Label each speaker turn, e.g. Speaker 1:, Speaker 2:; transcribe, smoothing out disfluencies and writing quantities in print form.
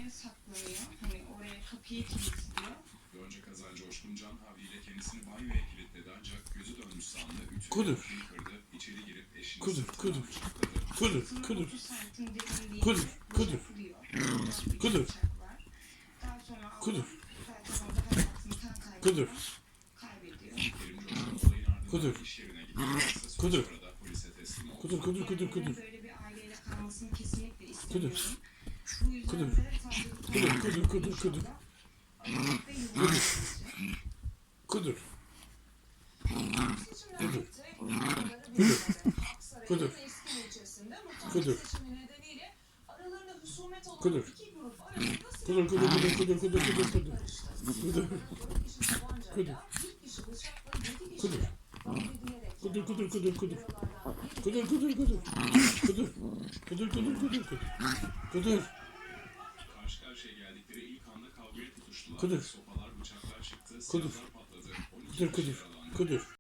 Speaker 1: odaya saklanıyor. Hani oraya kapıyı kilitliyor.
Speaker 2: Önce kaza Coşkun Can havliyle kendisini banyoya kilitledi ancak gözü dönmüş sandı.
Speaker 3: Kudur.
Speaker 2: Ütüyle kırdı. İçeri girip eşini
Speaker 3: Kudur,
Speaker 2: sırtından
Speaker 3: kudur.
Speaker 2: bıçakladı.
Speaker 3: Kudur,
Speaker 1: Sınır
Speaker 3: kudur,
Speaker 1: 30 santim derinliğinde
Speaker 3: kudur, kudur,
Speaker 1: bıçaklıyor. Bir
Speaker 3: kudur,
Speaker 1: bıçak var. Daha sonra
Speaker 3: kudur,
Speaker 1: zaten orada hayatını
Speaker 3: kudur,
Speaker 1: kaybediyor.
Speaker 2: Kerim Coşkun olayın ardından
Speaker 3: kudur,
Speaker 2: iş yerine gitti. Kısa süre
Speaker 3: kudur,
Speaker 2: sonra da polise teslim oldu.
Speaker 3: kudur, kudur, kudur, kudur,
Speaker 1: Böyle bir aileyle kalmasını kesinlikle
Speaker 3: kudur,
Speaker 1: istemiyorum. Bu yüzden
Speaker 3: kudur,
Speaker 1: de savcılık
Speaker 3: kudur, kudur, kudur, kudur,
Speaker 1: ve yuvasını
Speaker 3: kudur,
Speaker 4: Kudur.
Speaker 3: Kudur.
Speaker 4: Kudur.
Speaker 3: Kudur.
Speaker 4: Kudur.
Speaker 3: kudur, kudur, kudur, kudur, kudur, kudur, kudur, kudur, kudur,
Speaker 4: Kudur.
Speaker 3: kudur, kudur, kudur, kudur, kudur, kudur, kudur, kudur, kudur, kudur, kudur, kudur, kudur, kudur, kudur,
Speaker 2: Karşı karşıya geldikleri ilk anda kavgaya tutuştular.
Speaker 3: Kudur.
Speaker 2: Sopalar, bıçaklar çıktı.
Speaker 3: Kudur.
Speaker 2: Silahlar patladı. 12
Speaker 3: kudur,
Speaker 2: kişi
Speaker 3: kudur,
Speaker 2: yaralandı.
Speaker 3: kudur.